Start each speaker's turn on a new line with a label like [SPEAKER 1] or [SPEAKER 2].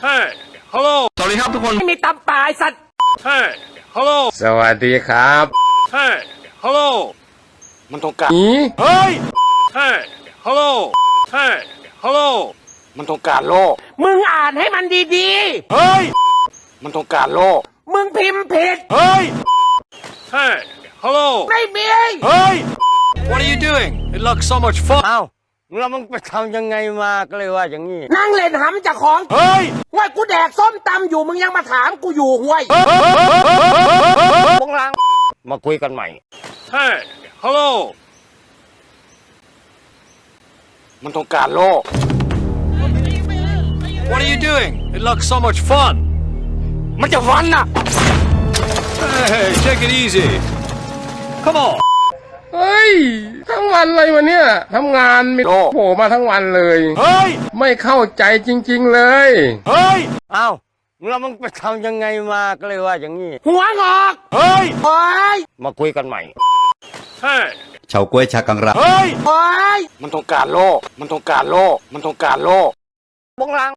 [SPEAKER 1] Hey Hello
[SPEAKER 2] สวัสดีครับทุกคน
[SPEAKER 3] ไม่มีตำปลายสัตว์
[SPEAKER 1] Hey Hello
[SPEAKER 4] สวัสดีครับ
[SPEAKER 1] Hey Hello
[SPEAKER 4] มันต้องการ
[SPEAKER 1] เฮ้ย Hey Hello Hey Hello
[SPEAKER 4] มันต้องการโลก
[SPEAKER 3] มึงอ่านให้มันดี
[SPEAKER 1] เฮ้ย
[SPEAKER 4] มันต้องการโลก
[SPEAKER 3] ๆมึงพิมพ์ผิด
[SPEAKER 1] เฮ้ย Hey Hello
[SPEAKER 3] ไม่มี
[SPEAKER 1] เฮ้ย What are you doing It looks so much fun
[SPEAKER 5] อ้าวแล้วมึงไปทำยังไงมาก็เลยว่าอย่างนี้
[SPEAKER 3] นั่งเล่นหำจากของ
[SPEAKER 1] เฮ้ย
[SPEAKER 3] ว่ากูแดกส้มตำอยู่มึงยังมาถามกูอยู่ห้วย
[SPEAKER 5] พวกลังมาคุยกันใหม่
[SPEAKER 1] Hey Hello
[SPEAKER 4] มันต้องการโลก
[SPEAKER 1] What are you doing It looks so much fun
[SPEAKER 4] มันจะวันน่ะ
[SPEAKER 1] Hey take it easy Come on
[SPEAKER 6] เฮ้ย ทั้งวันเลยวันเนี้ยทำงานมี
[SPEAKER 4] โลก
[SPEAKER 6] โผล่มาทั้งวันเลย
[SPEAKER 1] เฮ้ย
[SPEAKER 6] ไม่เข้าใจจริงๆเลย
[SPEAKER 1] เฮ้ย
[SPEAKER 5] อ้าวแล้วมึงไปทำยังไงมาก็เลยว่าอย่างนี้
[SPEAKER 3] หัวงอก
[SPEAKER 1] เฮ้ย
[SPEAKER 3] โอ้ย
[SPEAKER 5] มาคุยกันใหม่
[SPEAKER 1] Hey
[SPEAKER 2] เฉาก้วยชากังรา
[SPEAKER 1] เฮ้ย
[SPEAKER 3] โอ้ย
[SPEAKER 4] มันต้องการโลก มันต้องการโลก มันต้องการโลก
[SPEAKER 5] พวกลัง